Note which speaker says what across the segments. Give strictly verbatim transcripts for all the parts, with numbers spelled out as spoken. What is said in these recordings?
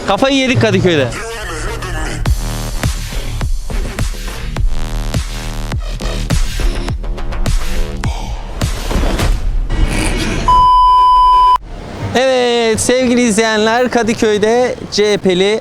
Speaker 1: Kafayı yedik Kadıköy'de. Evet sevgili izleyenler, Kadıköy'de C H P'li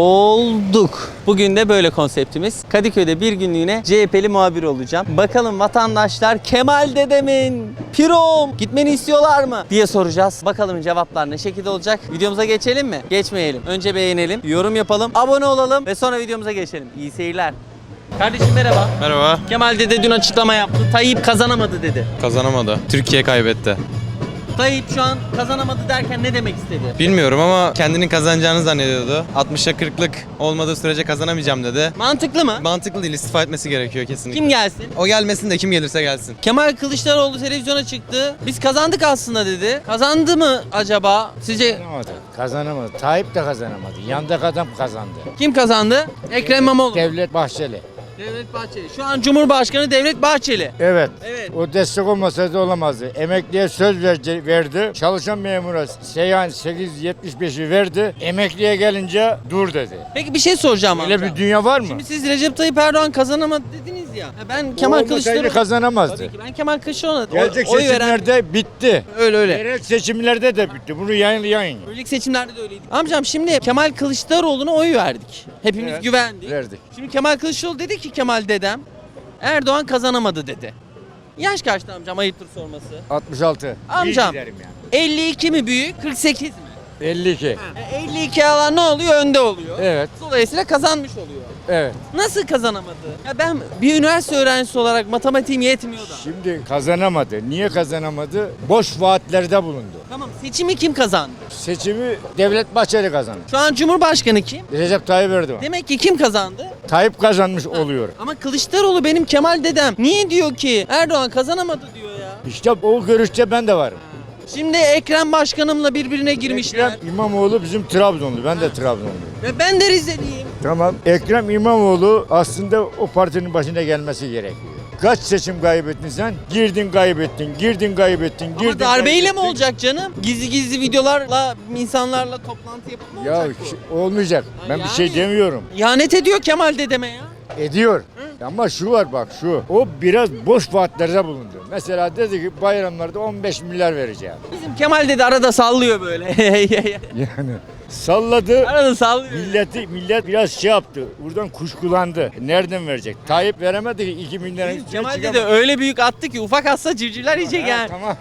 Speaker 1: olduk. Bugün de böyle konseptimiz. Kadıköy'de bir günlüğüne C H P'li muhabir olacağım. Bakalım vatandaşlar Kemal dedemin, Pirom gitmeni istiyorlar mı diye soracağız. Bakalım cevaplar ne şekilde olacak. Videomuza geçelim mi? Geçmeyelim. Önce beğenelim, yorum yapalım, abone olalım ve sonra videomuza geçelim. İyi seyirler. Kardeşim merhaba.
Speaker 2: Merhaba.
Speaker 1: Kemal dede dün açıklama yaptı. Tayyip kazanamadı dedi.
Speaker 2: Kazanamadı. Türkiye kaybetti.
Speaker 1: Tayyip şu an kazanamadı derken ne demek istedi?
Speaker 2: Bilmiyorum ama kendinin kazanacağını zannediyordu. altmışa kırklık olmadığı sürece kazanamayacağım dedi.
Speaker 1: Mantıklı mı?
Speaker 2: Mantıklı değil, istifa etmesi gerekiyor kesinlikle.
Speaker 1: Kim gelsin?
Speaker 2: O gelmesin de kim gelirse gelsin.
Speaker 1: Kemal Kılıçdaroğlu televizyona çıktı. Biz kazandık aslında dedi. Kazandı mı acaba? Sizce
Speaker 3: Kazanamadı. Kazanamadı. Tayyip de kazanamadı. Yandaki adam kazandı.
Speaker 1: kim kazandı? Ekrem İmamoğlu.
Speaker 3: Devlet Bahçeli.
Speaker 1: Devlet Bahçeli. Şu an Cumhurbaşkanı Devlet Bahçeli.
Speaker 3: Evet.
Speaker 1: Evet.
Speaker 3: O destek olmasaydı olamazdı. Emekliye söz verce, verdi. Çalışan memura seyyan sekiz yüz yetmiş beşi verdi. Emekliye gelince dur dedi.
Speaker 1: Peki bir şey soracağım
Speaker 3: Öyle
Speaker 1: amca.
Speaker 3: bir dünya var mı?
Speaker 1: Şimdi siz Recep Tayyip Erdoğan kazanamadı dediniz ya. Ya ben Kemal
Speaker 3: Olmasaydı
Speaker 1: Kılıçdaroğlu
Speaker 3: kazanamazdı.
Speaker 1: Tabii ki ben Kemal Kılıçdaroğlu'na
Speaker 3: Gelecek
Speaker 1: oy veren
Speaker 3: seçimlerde bitti.
Speaker 1: öyle öyle.
Speaker 3: Yerel seçimlerde de bitti. Bunu yayın yayın.
Speaker 1: Önceki seçimlerde de öyleydi. Amcam şimdi Kemal Kılıçdaroğlu'na oy verdik. Hepimiz
Speaker 3: Evet,
Speaker 1: güvendik.
Speaker 3: verdik.
Speaker 1: Şimdi Kemal Kılıçdaroğlu dedi ki Kemal dedem Erdoğan kazanamadı dedi. Yaş kaçtı amcam, ayıptır sorması?
Speaker 3: altmış altı.
Speaker 1: Amcam.
Speaker 3: İyi giderim yani.
Speaker 1: elli iki mi büyük, kırk sekiz mi?
Speaker 3: elli iki.
Speaker 1: E, elli iki alan ne oluyor? Önde oluyor.
Speaker 3: Evet.
Speaker 1: Dolayısıyla kazanmış oluyor.
Speaker 3: Evet.
Speaker 1: Nasıl kazanamadı? Ya ben bir üniversite öğrencisi olarak matematiğim yetmiyor da.
Speaker 3: Şimdi kazanamadı. Niye kazanamadı? Boş vaatlerde bulundu.
Speaker 1: Tamam, seçimi kim kazandı?
Speaker 3: Seçimi Devlet Bahçeli kazandı.
Speaker 1: Şu an Cumhurbaşkanı kim?
Speaker 3: Recep Tayyip Erdoğan.
Speaker 1: Demek ki kim kazandı?
Speaker 3: Tayyip kazanmış oluyor.
Speaker 1: Ama Kılıçdaroğlu benim Kemal dedem. Niye diyor ki Erdoğan kazanamadı diyor ya.
Speaker 3: İşte o görüşte ben de varım.
Speaker 1: Şimdi Ekrem Başkanımla birbirine girmişler.
Speaker 3: Ekrem İmamoğlu bizim Trabzonlu. Ben de Trabzonluyum.
Speaker 1: Ve ben de Rizeliyim.
Speaker 3: Tamam. Ekrem İmamoğlu aslında o partinin başına gelmesi gerekiyor. Kaç seçim kaybettin sen? Girdin kaybettin, girdin kaybettin, girdin
Speaker 1: Ama darbeyle mi
Speaker 3: kaybettin.
Speaker 1: olacak canım? Gizli gizli videolarla insanlarla toplantı yapıp mı
Speaker 3: Ya
Speaker 1: olacak bu?
Speaker 3: ş- olmayacak. Ben
Speaker 1: Yani-
Speaker 3: bir şey demiyorum.
Speaker 1: İhanet ediyor Kemal dedeme ya.
Speaker 3: Ediyor. Ama şu var bak şu. O biraz boş vaatlerde bulundu. Mesela dedi ki bayramlarda on beş milyar vereceğim.
Speaker 1: Bizim Kemal dede arada sallıyor böyle.
Speaker 3: Yani salladı.
Speaker 1: arada sallıyor.
Speaker 3: Milleti millet biraz şey yaptı. Buradan kuşkulandı. Nereden verecek? Tayyip veremedi ki iki milyarın
Speaker 1: Bizim
Speaker 3: üstüne
Speaker 1: Kemal
Speaker 3: çıkamaz.
Speaker 1: dede öyle büyük attı ki ufak atsa civcivler yiyecek
Speaker 3: Ha,
Speaker 1: yani.
Speaker 3: Tamam.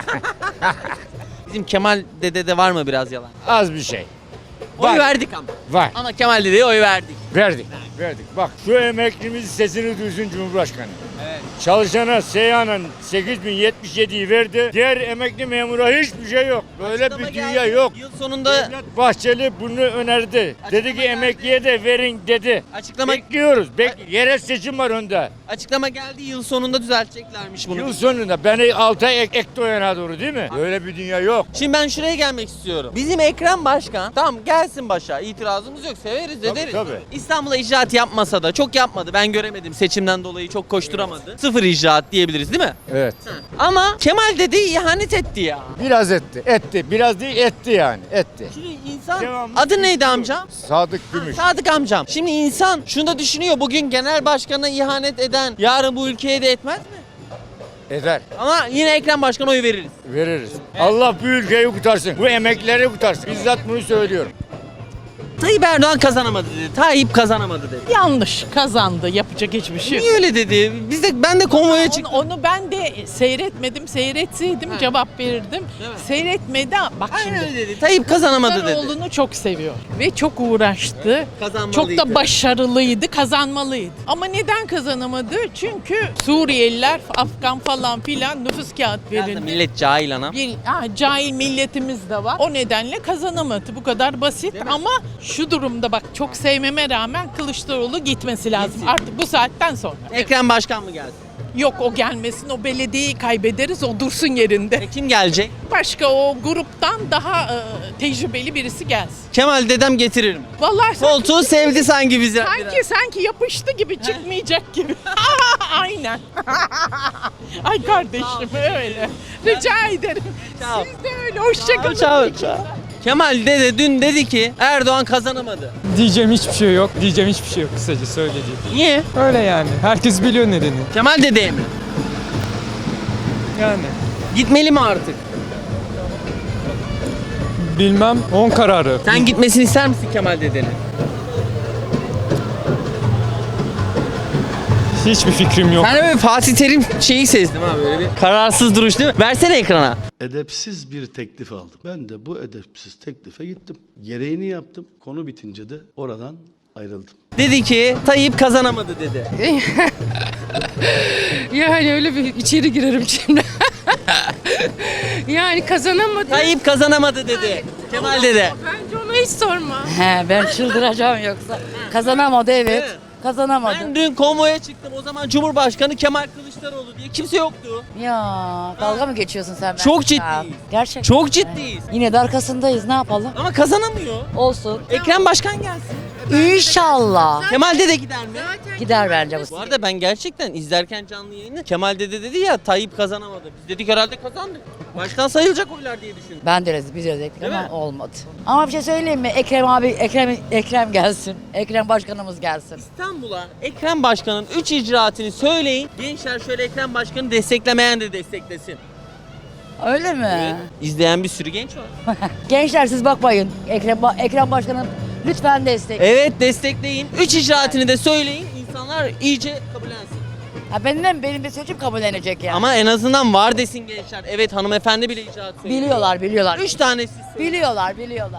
Speaker 1: Bizim Kemal dedede var mı biraz yalan?
Speaker 3: Az bir şey.
Speaker 1: Oy
Speaker 3: Var.
Speaker 1: verdik ama.
Speaker 3: Var.
Speaker 1: Ama Kemal dedeye oy verdik.
Speaker 3: Verdik. Verdik. Bak şu emeklimizin sesini duysun Cumhurbaşkanı.
Speaker 1: Evet.
Speaker 3: Çalışana Seyhan'ın sekiz bin yetmiş yediyi verdi. Diğer emekli memura hiçbir şey yok. Böyle
Speaker 1: Açıklama
Speaker 3: bir dünya
Speaker 1: geldi.
Speaker 3: yok.
Speaker 1: Yıl sonunda
Speaker 3: Devlet Bahçeli bunu önerdi. Dedi ki
Speaker 1: geldi.
Speaker 3: emekliye de verin dedi.
Speaker 1: açıklama
Speaker 3: Bekliyoruz. Bek yerel seçim var önde.
Speaker 1: açıklama geldi, yıl sonunda düzelteceklermiş bunu.
Speaker 3: Yıl sonunda beni altı ay ek, ekti o yana doğru değil mi? Böyle bir dünya yok.
Speaker 1: Şimdi ben şuraya gelmek istiyorum. Bizim Ekrem Başkan tamam gelsin başa, itirazımız yok, severiz
Speaker 3: Tabii,
Speaker 1: ederiz.
Speaker 3: tabii.
Speaker 1: İstanbul'a icraat yapmasa da, çok yapmadı, ben göremedim seçimden dolayı, çok koşturamadı. Sıfır icraat diyebiliriz değil mi?
Speaker 3: Evet.
Speaker 1: Ama Kemal dedi ihanet etti ya.
Speaker 3: Biraz etti. Etti. Biraz değil etti yani. Etti.
Speaker 1: Şimdi insan
Speaker 3: Devamlı
Speaker 1: adı neydi
Speaker 3: konuşuyor.
Speaker 1: amcam?
Speaker 3: Sadık Gümüş.
Speaker 1: Sadık amcam. Şimdi insan şunu da düşünüyor, bugün genel başkana ihanet eden yarın bu ülkeye de etmez mi?
Speaker 3: Eder.
Speaker 1: Ama yine Ekrem Başkan'a oy veririz.
Speaker 3: Veririz. Allah bu ülkeyi kurtarsın. Bu emeklileri kurtarsın. Bizzat bunu söylüyorum.
Speaker 1: Tayyip Erdoğan kazanamadı dedi. Tayyip kazanamadı dedi.
Speaker 4: Yanlış kazandı. Yapacak hiçbir şey yok.
Speaker 1: Niye öyle dedi? Biz de ben de konvoya
Speaker 4: Onu,
Speaker 1: çıktım.
Speaker 4: onu ben de seyretmedim. Seyretseydim
Speaker 1: Ha.
Speaker 4: cevap verirdim.
Speaker 1: Değil mi?
Speaker 4: Seyretmedi. Bak
Speaker 1: Aynen
Speaker 4: şimdi.
Speaker 1: öyle dedi. Tayyip kazanamadı dedi.
Speaker 4: Oğlunu çok seviyor ve çok uğraştı.
Speaker 1: Kazanmalıydı.
Speaker 4: Çok da başarılıydı, kazanmalıydı. Ama neden kazanamadı? Çünkü Suriyeliler, Afgan falan filan nüfus kağıt
Speaker 1: Biraz da
Speaker 4: verildi.
Speaker 1: millet cahil anam.
Speaker 4: Bir ha, cahil milletimiz de var. O nedenle kazanamadı. Bu kadar basit. Ama şu durumda bak çok sevmeme rağmen Kılıçdaroğlu gitmesi lazım.
Speaker 1: Gitsin.
Speaker 4: Artık bu saatten sonra.
Speaker 1: Ekrem Başkan mı gelsin?
Speaker 4: Yok o gelmesin, o belediyeyi kaybederiz, o dursun yerinde.
Speaker 1: E kim gelecek?
Speaker 4: Başka o gruptan daha e, tecrübeli birisi gelsin.
Speaker 1: Kemal dedem getirir mi?
Speaker 4: Vallahi sanki,
Speaker 1: Koltuğu sevdi sanki bizi.
Speaker 4: sanki, sanki yapıştı gibi çıkmayacak gibi. Aynen. Ay kardeşim öyle. Rica ederim.
Speaker 1: Ciao.
Speaker 4: Siz de öyle. Hoşçakalın.
Speaker 1: Ciao, ciao. Kemal dede dün dedi ki Erdoğan kazanamadı.
Speaker 5: Diyeceğim hiçbir şey yok. Diyeceğim hiçbir şey yok kısaca söyleyeceğim.
Speaker 1: Niye?
Speaker 5: Öyle yani. Herkes biliyor nedeni.
Speaker 1: Kemal dedeye mi?
Speaker 5: Yani.
Speaker 1: Gitmeli mi artık?
Speaker 5: Bilmem. On kararı.
Speaker 1: Sen gitmesini ister misin Kemal dedenin?
Speaker 5: Hiçbir fikrim yok.
Speaker 1: Sen de böyle Fatih Terim şeyi sezdim ha, böyle bir kararsız duruş değil mi? Versene ekrana.
Speaker 6: Edepsiz bir teklif aldım. Ben de bu edepsiz teklife gittim. Gereğini yaptım. Konu bitince de oradan ayrıldım.
Speaker 1: Dedi ki Tayyip kazanamadı dedi.
Speaker 7: Yani öyle bir içeri girerim şimdi. Yani kazanamadı.
Speaker 1: Tayyip kazanamadı dedi. Kemal dede.
Speaker 7: Bence ona hiç sorma.
Speaker 8: He ben çıldıracağım yoksa. Kazanamadı evet.
Speaker 1: Evet.
Speaker 8: Kazanamadı.
Speaker 1: Ben dün konvoya çıktım. O zaman Cumhurbaşkanı Kemal Kılıçdaroğlu diye kimse yoktu.
Speaker 8: Ya dalga mı geçiyorsun sen benimle?
Speaker 1: Çok ciddiyiz.
Speaker 8: Ya, Gerçekten.
Speaker 1: Çok ciddiyiz.
Speaker 8: Yine de arkasındayız ne yapalım?
Speaker 1: Ama kazanamıyor.
Speaker 8: Olsun.
Speaker 1: Ekrem Başkan gelsin.
Speaker 8: İnşallah.
Speaker 1: Kemal dede gider mi?
Speaker 8: Gider bence bu.
Speaker 1: Bu arada ben gerçekten izlerken canlı yayını Kemal dede dedi ya Tayyip kazanamadı. Biz dedik herhalde kazandı. Baştan sayılacak oylar diye düşündüm.
Speaker 8: Ben de öyle biz öyle
Speaker 1: Değil mi?
Speaker 8: ama olmadı. Ama bir şey söyleyeyim mi? Ekrem abi Ekrem Ekrem gelsin. Ekrem başkanımız gelsin.
Speaker 1: İstanbul'a Ekrem Başkan'ın üç icraatını söyleyin. Gençler şöyle Ekrem Başkan'ı desteklemeyen de desteklesin.
Speaker 8: Öyle mi?
Speaker 1: İzleyen bir sürü genç var.
Speaker 8: Gençler siz bakmayın. Ekrem Ba- Ekrem başkanım lütfen destek.
Speaker 1: Evet destekleyin. Üç icraatını da söyleyin. İnsanlar iyice kabullensin.
Speaker 8: Ha, benim de benim de sözüm kabullenecek yani.
Speaker 1: Ama en azından var desin gençler. Evet hanımefendi bile icraat söylüyor.
Speaker 8: Biliyorlar biliyorlar.
Speaker 1: Üç tanesi söylüyor.
Speaker 8: Biliyorlar biliyorlar.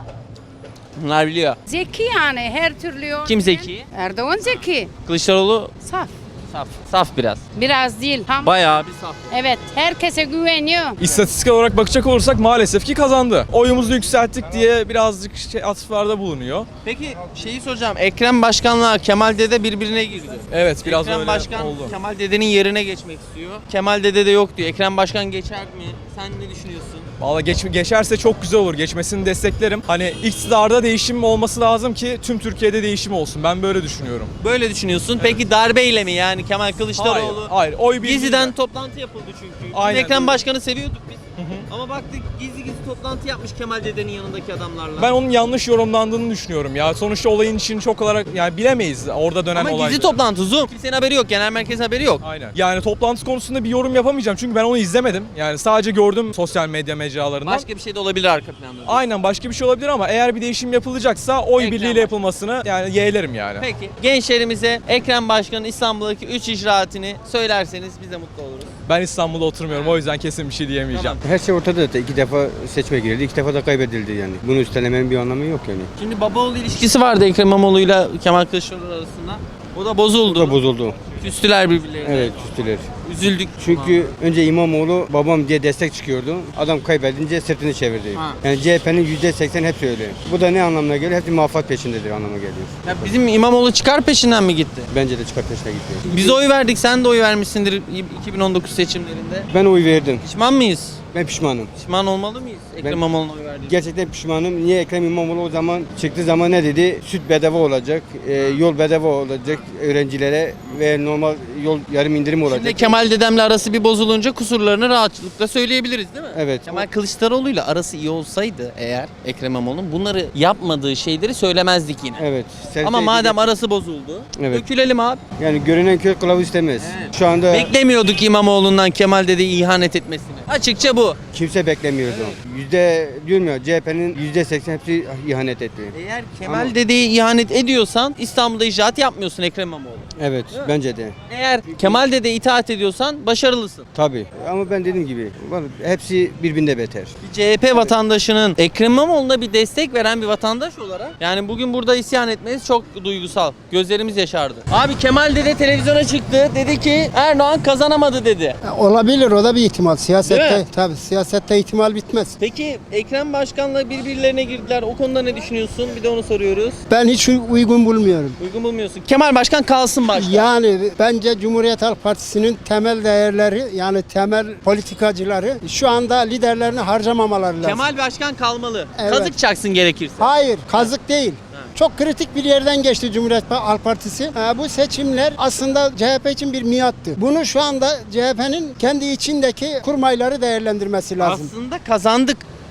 Speaker 1: Bunlar biliyor.
Speaker 7: Zeki yani her türlü.
Speaker 1: Kim zeki?
Speaker 7: Erdoğan zeki.
Speaker 1: Kılıçdaroğlu
Speaker 7: Saf.
Speaker 1: saf. Saf biraz.
Speaker 7: Biraz değil. Tam.
Speaker 1: Bayağı bir saf.
Speaker 7: Evet herkese güveniyor.
Speaker 5: İstatistik olarak bakacak olursak maalesef ki kazandı. Oyumuzu yükselttik diye birazcık şey, atıflarda bulunuyor.
Speaker 1: Peki şeyi soracağım. Ekrem Başkan'la Kemal Dede birbirine girdi.
Speaker 5: Evet biraz
Speaker 1: Ekrem
Speaker 5: öyle
Speaker 1: Başkan
Speaker 5: oldu.
Speaker 1: Kemal Dede'nin yerine geçmek istiyor. Kemal Dede de yok diyor. Ekrem Başkan geçer mi? Sen ne düşünüyorsun?
Speaker 5: Valla geç, geçerse çok güzel olur. Geçmesini desteklerim. Hani iktidarda değişim olması lazım ki tüm Türkiye'de değişim olsun. Ben böyle düşünüyorum.
Speaker 1: Böyle düşünüyorsun. Peki darbeyle mi yani Kemal Kılıçdaroğlu?
Speaker 5: Hayır, hayır. Oy birliğiyle.
Speaker 1: Gizliden toplantı yapıldı çünkü.
Speaker 5: Aynen
Speaker 1: Biz Ekrem
Speaker 5: öyle.
Speaker 1: Başkan'ı seviyorduk biz. Ama baktık gizli gizli toplantı yapmış Kemal Dede'nin yanındaki adamlarla.
Speaker 5: Ben onun yanlış yorumlandığını düşünüyorum ya. Sonuçta olayın için çok olarak yani bilemeyiz orada dönen
Speaker 1: Ama
Speaker 5: olayları.
Speaker 1: gizli toplantı Zoom. Kimsenin haberi yok. Genel merkez haberi yok.
Speaker 5: Aynen. Yani toplantı konusunda bir yorum yapamayacağım çünkü ben onu izlemedim. Yani sadece gördüm sosyal medya mecralarından.
Speaker 1: Başka bir şey de olabilir arka planda.
Speaker 5: Aynen başka bir şey olabilir ama eğer bir değişim yapılacaksa oy
Speaker 1: Ekrem
Speaker 5: birliğiyle
Speaker 1: Başkan.
Speaker 5: yapılmasını yani yeğlerim yani.
Speaker 1: Peki gençlerimize Ekrem Başkan'ın İstanbul'daki üç icraatini söylerseniz biz de mutlu oluruz.
Speaker 5: Ben İstanbul'da oturmuyorum o yüzden kesin bir şey diyemeyeceğim.
Speaker 9: Her şey ortada. İki defa seçime girildi, iki defa da kaybedildi yani. Bunu üstelemenin bir anlamı yok yani.
Speaker 1: Şimdi baba-oğul ilişkisi vardı Ekrem İmamoğlu'yla Kemal Kılıçdaroğlu arasında. O da bozuldu.
Speaker 9: Bu da bozuldu.
Speaker 1: Küstüler birbirlerine.
Speaker 9: Evet, üstüler.
Speaker 1: Üzüldük.
Speaker 9: Çünkü önce İmamoğlu babam diye destek çıkıyordu. Adam kaybedince sırtını çevirdi.
Speaker 1: Ha.
Speaker 9: Yani C H P'nin yüzde seksen hepsi öyle. Bu da ne anlamına geliyor? Hepsi muvaffak peşindedir anlamına geliyor.
Speaker 1: Ya bizim İmamoğlu çıkar peşinden mi gitti?
Speaker 9: Bence de çıkar peşine gidiyor.
Speaker 1: Biz oy verdik, sen de oy vermişsindir iki bin on dokuz seçimlerinde.
Speaker 9: Ben oy verdim.
Speaker 1: Pişman mıyız?
Speaker 9: Ben pişmanım.
Speaker 1: Pişman olmalı mıyız Ekrem
Speaker 9: Ben-
Speaker 1: İmamoğlu'na oy verdiğimiz?
Speaker 9: Gerçekten pişmanım. Niye Ekrem İmamoğlu o zaman çıktığı zaman ne dedi? Süt bedava olacak, e, yol bedava olacak öğrencilere ve normal yol yarım indirim olacak.
Speaker 1: Şimdi Kemal dedemle arası bir bozulunca kusurlarını rahatlıkla söyleyebiliriz değil mi?
Speaker 9: Evet.
Speaker 1: Kemal Kılıçdaroğlu'yla arası iyi olsaydı eğer Ekrem İmamoğlu'nun bunları yapmadığı şeyleri söylemezdik yine.
Speaker 9: Evet.
Speaker 1: Ama
Speaker 9: Sen-
Speaker 1: madem arası bozuldu,
Speaker 9: Evet.
Speaker 1: dökülelim abi.
Speaker 9: Yani görünen köy kılavuz istemez. Şu anda
Speaker 1: Beklemiyorduk İmamoğlu'ndan Kemal dedeyi ihanet etmesini. Açıkça bu.
Speaker 9: kimse beklemiyordu. Yüzde diyorum ya C H P'nin yüzde seksen hepsi ihanet etti.
Speaker 1: Eğer Kemal
Speaker 9: Ama-
Speaker 1: dedeyi ihanet ediyorsan İstanbul'da icraat yapmıyorsun Ekrem İmamoğlu.
Speaker 9: Evet bence de.
Speaker 1: Eğer Kemal dede itaat ediyorsan başarılısın.
Speaker 9: Tabii. Ama ben dediğim gibi var, hepsi birbirinde beter.
Speaker 1: Bir C H P vatandaşının Ekrem İmamoğlu'na bir destek veren bir vatandaş olarak yani bugün burada isyan etmeniz çok duygusal. Gözlerimiz yaşardı. Abi Kemal dede televizyona çıktı. Dedi ki Erdoğan kazanamadı dedi.
Speaker 10: Olabilir, o da bir ihtimal.
Speaker 1: Değil mi?
Speaker 10: Siyasette tabii siyasette ihtimal bitmez.
Speaker 1: Peki Ekrem Başkan'la birbirlerine girdiler. O konuda ne düşünüyorsun? Bir de onu soruyoruz.
Speaker 10: Ben hiç uygun bulmuyorum.
Speaker 1: Uygun bulmuyorsun. Kemal Başkan kalsın başkan.
Speaker 10: Yani bence Cumhuriyet Halk Partisi'nin temel değerleri yani temel politikacıları şu anda liderlerini harcamamaları lazım.
Speaker 1: Kemal Başkan kalmalı.
Speaker 10: Evet.
Speaker 1: Kazık çaksın gerekirse.
Speaker 10: Hayır, kazık değil. Çok kritik bir yerden geçti Cumhuriyet Halk Partisi. Ha, bu seçimler aslında C H P için bir miattı. Bunu şu anda C H P'nin kendi içindeki kurmayları değerlendirmesi lazım.
Speaker 1: Aslında kazandık.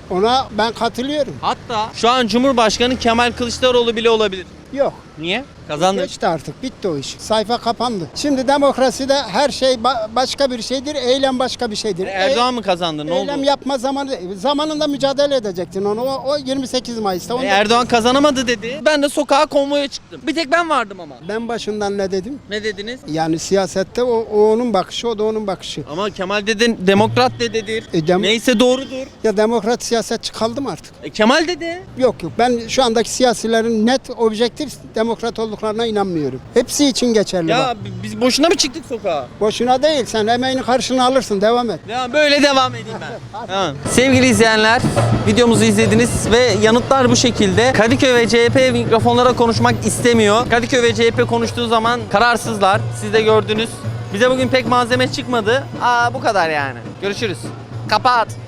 Speaker 10: Ona ben katılıyorum.
Speaker 1: Hatta şu an Cumhurbaşkanı Kemal Kılıçdaroğlu bile olabilir.
Speaker 10: Yok.
Speaker 1: Niye? Kazandı.
Speaker 10: Geçti artık. Bitti o iş. Sayfa kapandı. Şimdi demokraside her şey ba- başka bir şeydir. Eylem başka bir şeydir.
Speaker 1: Erdoğan mı kazandı? Ne
Speaker 10: E- Eylem
Speaker 1: oldu?
Speaker 10: yapma zamanı zamanında mücadele edecektin onu. O, o yirmi sekiz Mayıs'ta.
Speaker 1: E,
Speaker 10: Onda-
Speaker 1: Erdoğan kazanamadı dedi. Ben de sokağa konvoya çıktım. Bir tek ben vardım ama.
Speaker 10: Ben başından ne dedim?
Speaker 1: Ne dediniz?
Speaker 10: Yani siyasette o, o onun bakışı, o da onun bakışı.
Speaker 1: Ama Kemal dedin demokrat de dedir.
Speaker 10: E, dem-
Speaker 1: Neyse doğrudur.
Speaker 10: Ya demokrat siyasetçi kaldım artık.
Speaker 1: E, Kemal dedi.
Speaker 10: Yok yok. Ben şu andaki siyasilerin net, objektif demokrat olduklarına inanmıyorum. Hepsi için geçerli
Speaker 1: Ya
Speaker 10: bak.
Speaker 1: bi- biz boşuna mı çıktık sokağa?
Speaker 10: Boşuna değil. Sen emeğini karşına alırsın. Devam et.
Speaker 1: Ya böyle devam edeyim ben. Tamam. Sevgili izleyenler, videomuzu izlediniz ve yanıtlar bu şekilde. Kadıköy ve C H P mikrofonlara konuşmak istemiyor. Kadıköy ve C H P konuştuğu zaman kararsızlar. Siz de gördünüz. Bize bugün pek malzeme çıkmadı. Aa bu kadar yani. Görüşürüz. Kapat.